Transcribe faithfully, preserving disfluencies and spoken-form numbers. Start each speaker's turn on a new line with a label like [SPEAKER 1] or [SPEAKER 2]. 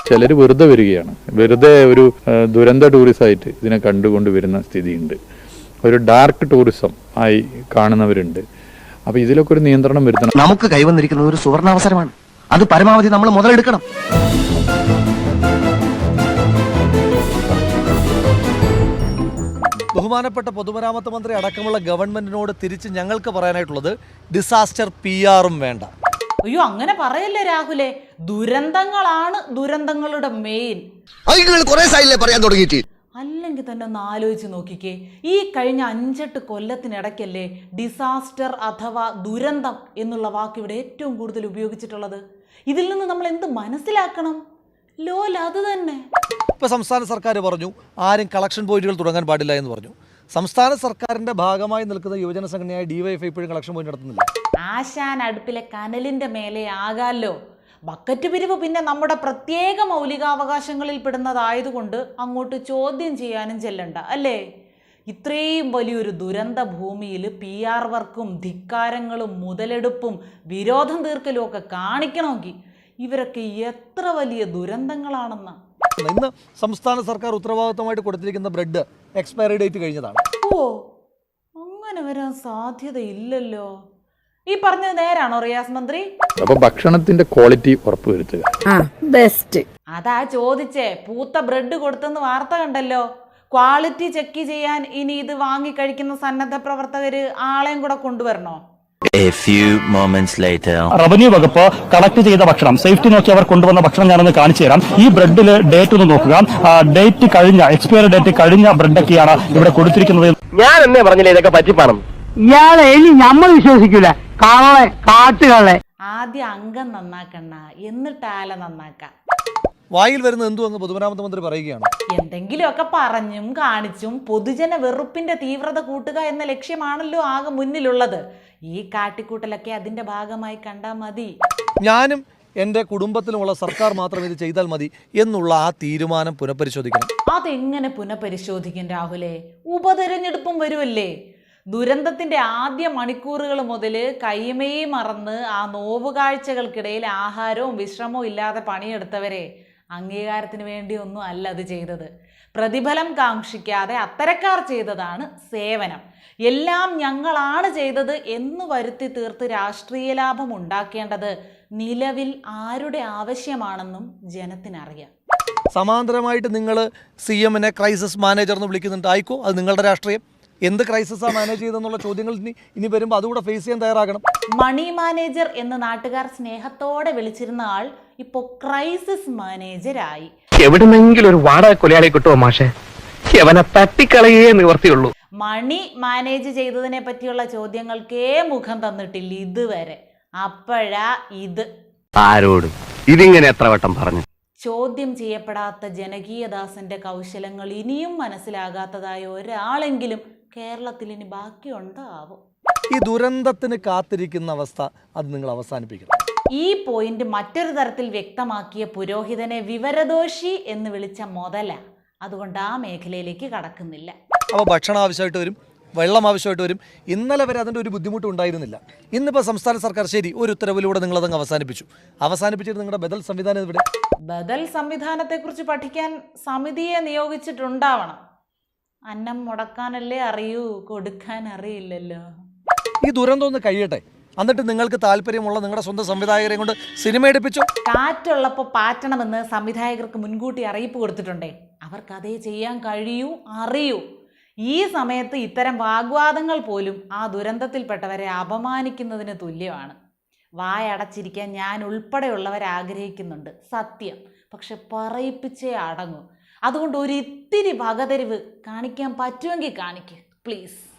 [SPEAKER 1] ചിലർ വെറുതെ വരികയാണ്, വെറുതെ ഒരു ദുരന്ത ടൂറിസമായിട്ട് ഇതിനെ കണ്ടുകൊണ്ട് വരുന്ന സ്ഥിതിയുണ്ട്. ഒരു ഡാർക്ക് ടൂറിസം ആയി കാണുന്നവരുണ്ട്. അപ്പൊ ഇതിലൊക്കെ ഒരു നിയന്ത്രണം വരുത്തണം.
[SPEAKER 2] നമുക്ക് കൈവന്നിരിക്കുന്നത് ഒരു സുവർണാവസരമാണ്, അത് പരമാവധി നമ്മൾ മുതലെടുക്കണം.
[SPEAKER 3] ബഹുമാനപ്പെട്ട പൊതുമരാമത്ത് മന്ത്രി അടക്കമുള്ള ഗവൺമെന്റിനോട് തിരിച്ച് ഞങ്ങൾക്ക് പറയാനായിട്ടുള്ളത് ഡിസാസ്റ്റർ പി ആറും വേണ്ട.
[SPEAKER 4] അയ്യോ, അങ്ങനെ പറയല്ലേ രാഹുലെ. ദുരന്തങ്ങളാണ് ദുരന്തങ്ങളുടെ മെയിൻ.
[SPEAKER 2] പറയാൻ തുടങ്ങിയിട്ട്
[SPEAKER 4] അല്ലെങ്കിൽ തന്നെ ഒന്ന് ആലോചിച്ച് നോക്കിക്കേ. ഈ കഴിഞ്ഞ അഞ്ചെട്ട് കൊല്ലത്തിനിടയ്ക്കല്ലേ ഡിസാസ്റ്റർ അഥവാ ദുരന്തം എന്നുള്ള വാക്ക് ഇവിടെ ഏറ്റവും കൂടുതൽ ഉപയോഗിച്ചിട്ടുള്ളത്. ഇതിൽ നിന്ന് നമ്മൾ എന്ത് മനസ്സിലാക്കണം? ലോല അത് തന്നെ.
[SPEAKER 3] ഇപ്പൊ സംസ്ഥാന സർക്കാർ പറഞ്ഞു ആരും കളക്ഷൻ പോയിന്റുകൾ തുടങ്ങാൻ പാടില്ല എന്ന് പറഞ്ഞു. സംസ്ഥാന സർക്കാരിന്റെ ഭാഗമായി നിൽക്കുന്ന യുവജന സംഘടനയായ ഡിവൈഎഫ്ഐ ഇപ്പോഴും കളക്ഷൻ പോയിന്റ് നടത്തുന്നില്ല.
[SPEAKER 4] ആശാൻ അടുപ്പിലെ കനലിന്റെ മേലെ ആകാല്ലോ. ബക്കറ്റ് പിരിവ് പിന്നെ നമ്മുടെ പ്രത്യേക മൗലികാവകാശങ്ങളിൽ പെടുന്നതായതുകൊണ്ട് അങ്ങോട്ട് ചോദ്യം ചെയ്യാനും ചെല്ലണ്ട അല്ലേ? ഇത്രയും വലിയൊരു ദുരന്ത ഭൂമിയിൽ പി ആർ വർക്കും ധിക്കാരങ്ങളും മുതലെടുപ്പും വിരോധം തീർക്കലും ഒക്കെ കാണിക്കണമെങ്കിൽ ഇവരൊക്കെ എത്ര വലിയ ദുരന്തങ്ങളാണെന്ന.
[SPEAKER 3] ഇന്ന് സംസ്ഥാന സർക്കാർ ഉത്തരവാദിത്തമായിട്ട് കൊടുത്തിരിക്കുന്ന ബ്രെഡ് എക്സ്പയറി ഡേറ്റ് കഴിഞ്ഞതാണ്.
[SPEAKER 4] ഓ, അങ്ങനെ വരാൻ സാധ്യതയില്ലല്ലോ. ഈ പറഞ്ഞത് നേരാണോ റിയാസ് മന്ത്രി?
[SPEAKER 1] അപ്പൊ ഭക്ഷണത്തിന്റെ ക്വാളിറ്റി ഉറപ്പുവരുത്തുക.
[SPEAKER 5] ബെസ്റ്റ്.
[SPEAKER 4] അതാ ചോദിച്ചേ. പൂത്ത ബ്രെഡ് കൊടുത്തെന്ന് വാർത്ത കണ്ടല്ലോ. ക്വാളിറ്റി ചെക്ക് ചെയ്യാൻ ഇനി ഇത് വാങ്ങി കഴിക്കുന്ന സന്നദ്ധ പ്രവർത്തകര് ആളെയും കൂടെ കൊണ്ടുവരണോ?
[SPEAKER 6] A few moments later.
[SPEAKER 7] Revenue വകുപ്പ് കളക്ട് ചെയ്ത ഭക്ഷണം സേഫ്റ്റി നോക്കി അവർ കൊണ്ടുവന്ന ഭക്ഷണം ഞാനൊന്ന് കാണിച്ചു തരാം. ഈ ബ്രെഡില് ഡേറ്റ് ഒന്ന് നോക്കുക. ഡേറ്റ് കഴിഞ്ഞ എക്സ്പയറി ഡേറ്റ് കഴിഞ്ഞ ബ്രെഡൊക്കെയാണ് ഇവിടെ കൊടുത്തിരിക്കുന്നത്.
[SPEAKER 2] ഞാൻ എന്നേ പറഞ്ഞില്ലേ ഇതൊക്കെ പറ്റിപ്പാണം.
[SPEAKER 5] ഇയാളെ ഇനി നമ്മൾ വിശ്വസിക്കൂല. കള്ളെ കാട്ടുകളെ.
[SPEAKER 4] ആദ്യം അംഗം നന്നാക്കണ്ണ, എന്നിട്ട് ആല നന്നാക്കാം.
[SPEAKER 3] വായിൽ വരുന്ന എന്തു അങ്ങ് പൊതുമരാമത്ത് മന്ത്രി പറയുകയാണ്.
[SPEAKER 4] എന്തെങ്കിലുമൊക്കെ പറഞ്ഞും കാണിച്ചും പൊതുജന വെറുപ്പിന്റെ തീവ്രത കൂട്ടുക എന്ന ലക്ഷ്യമാണല്ലോ ആകെ മുന്നിലുള്ളത്. ഈ കാട്ടിക്കൂട്ടലൊക്കെ അതിന്റെ ഭാഗമായി കണ്ടാൽ മതി.
[SPEAKER 3] ഞാനും എൻ്റെ കുടുംബത്തിലുമുള്ള സർക്കാർ മാത്രം ഇത് ചെയ്താൽ മതി എന്നുള്ള ആ തീരുമാനം പുനഃപരിശോധിക്കണം.
[SPEAKER 4] അതെങ്ങനെ പുനഃപരിശോധിക്കും രാഹുലെ? ഉപതെരഞ്ഞെടുപ്പും വരുമല്ലേ. ദുരന്തത്തിന്റെ ആദ്യ മണിക്കൂറുകൾ മുതൽ കൈമയെ മറന്ന് ആ നോവുകാഴ്ചകൾക്കിടയിൽ ആഹാരവും വിശ്രമവും ഇല്ലാതെ പണിയെടുത്തവരെ അംഗീകാരത്തിന് വേണ്ടിയൊന്നും അല്ല അത് ചെയ്തത്. പ്രതിഫലം കാക്ഷിക്കാതെ അത്തരക്കാർ ചെയ്തതാണ് സേവനം. എല്ലാം ഞങ്ങളാണ് ചെയ്തത് എന്ന് വരുത്തി തീർത്ത് രാഷ്ട്രീയ ലാഭം ഉണ്ടാക്കേണ്ടത് നിലവിൽ ആരുടെ ആവശ്യമാണെന്നും ജനത്തിനറിയാം.
[SPEAKER 3] സമാന്തരമായിട്ട് നിങ്ങൾ സി എമ്മിനെ ക്രൈസിസ് മാനേജർ എന്ന് വിളിക്കുന്നുണ്ട്. ആയിക്കോ, അത് നിങ്ങളുടെ രാഷ്ട്രീയം. എന്ത് ക്രൈസിസാണ് മാനേജ് ചെയ്തെന്നുള്ള ചോദ്യങ്ങൾ ഇനി ഇനി വരുമ്പോൾ അതുകൂടെ ഫേസ് ചെയ്യാൻ തയ്യാറാകണം.
[SPEAKER 4] മണി മാനേജർ എന്ന് നാട്ടുകാർ സ്നേഹത്തോടെ വിളിച്ചിരുന്ന ആൾ ഇപ്പോ ക്രൈസിസ് മാനേജരായി.
[SPEAKER 2] എവിടുന്നെങ്കിലും ഒരു വാടക കൊലയാളെ കിട്ടുമോ മാഷെ? അവനെ തട്ടിക്കളയേ നിവർത്തിയുള്ളൂ.
[SPEAKER 4] മണി മാനേജ് ചെയ്തതിനെ പറ്റിയുള്ള ചോദ്യങ്ങൾക്കേ മുഖം തന്നിട്ടില്ല ഇതുവരെ. അപ്പോഴാ ഇത്.
[SPEAKER 2] ആരോട് ഇതിങ്ങനെ എത്ര വട്ടം പറഞ്ഞു?
[SPEAKER 4] ചോദ്യം ചെയ്യപ്പെടാത്ത ജനകീയദാസന്റെ കൗശലങ്ങൾ ഇനിയും മനസ്സിലാകാത്തതായ ഒരാളെങ്കിലും കേരളത്തിൽ ഇനി ബാക്കിയുണ്ടാവും.
[SPEAKER 3] ഈ ദുരന്തത്തിന് കാത്തിരിക്കുന്ന അവസ്ഥ അത് നിങ്ങൾ അവസാനിപ്പിക്കണം.
[SPEAKER 4] ഈ പോയിന്റ് മറ്റൊരു തരത്തിൽ വ്യക്തമാക്കിയ പുരോഹിതനെ വിവരദോഷി എന്ന് വിളിച്ച മുതല. അതുകൊണ്ട് ആ മേഖലയിലേക്ക് കടക്കുന്നില്ല.
[SPEAKER 3] അപ്പോൾ ഭക്ഷണം ആവശ്യമായിട്ട് വരും, വെള്ളം ആവശ്യമായിട്ട് വരും. ഇന്നലെ വരെ അതിൻ്റെ ഒരു ബുദ്ധിമുട്ട് ഉണ്ടായിരുന്നില്ല. ഇന്നിപ്പോൾ സംസ്ഥാന സർക്കാർ ശരി ഒരു ഉത്തരവിലൂടെ നിങ്ങളതങ്ങ് അവസാനിപ്പിച്ചു. അവസാനിപ്പിച്ചിട്ട് നിങ്ങളുടെ ബദൽ സംവിധാനം ഇവിടെ.
[SPEAKER 4] ബദൽ സംവിധാനത്തെക്കുറിച്ച് പഠിക്കാൻ സമിതിയെ നിയോഗിച്ചിട്ടുണ്ടാവണം. അന്നം മുടക്കാനല്ലേ അറിയൂ, കൊടുക്കാൻ അറിയില്ലല്ലോ.
[SPEAKER 3] ഈ ദുരന്തം ഒന്ന് കഴിയട്ടെ, എന്നിട്ട് നിങ്ങൾക്ക് താല്പര്യമുള്ള നിങ്ങളുടെ സ്വന്തം സംവിധായകരെ കൊണ്ട് സിനിമ എടുപ്പിച്ചു.
[SPEAKER 4] കാറ്റുള്ളപ്പോൾ പാറ്റണമെന്ന് സംവിധായകർക്ക് മുൻകൂട്ടി അറിയിപ്പ് കൊടുത്തിട്ടുണ്ടേ. അവർക്ക് അതേ ചെയ്യാൻ കഴിയൂ, അറിയൂ. ഈ സമയത്ത് ഇത്തരം വാഗ്വാദങ്ങൾ പോലും ആ ദുരന്തത്തിൽപ്പെട്ടവരെ അപമാനിക്കുന്നതിന് തുല്യമാണ്. വായടച്ചിരിക്കാൻ ഞാൻ ഉൾപ്പെടെയുള്ളവർ ആഗ്രഹിക്കുന്നുണ്ട്, സത്യം. പക്ഷെ പറയിപ്പിച്ചേ അടങ്ങൂ. അതുകൊണ്ട് ഒരു ഇത്തിരി വകതിരിവ് കാണിക്കാൻ പറ്റുമെങ്കിൽ കാണിക്കുക പ്ലീസ്.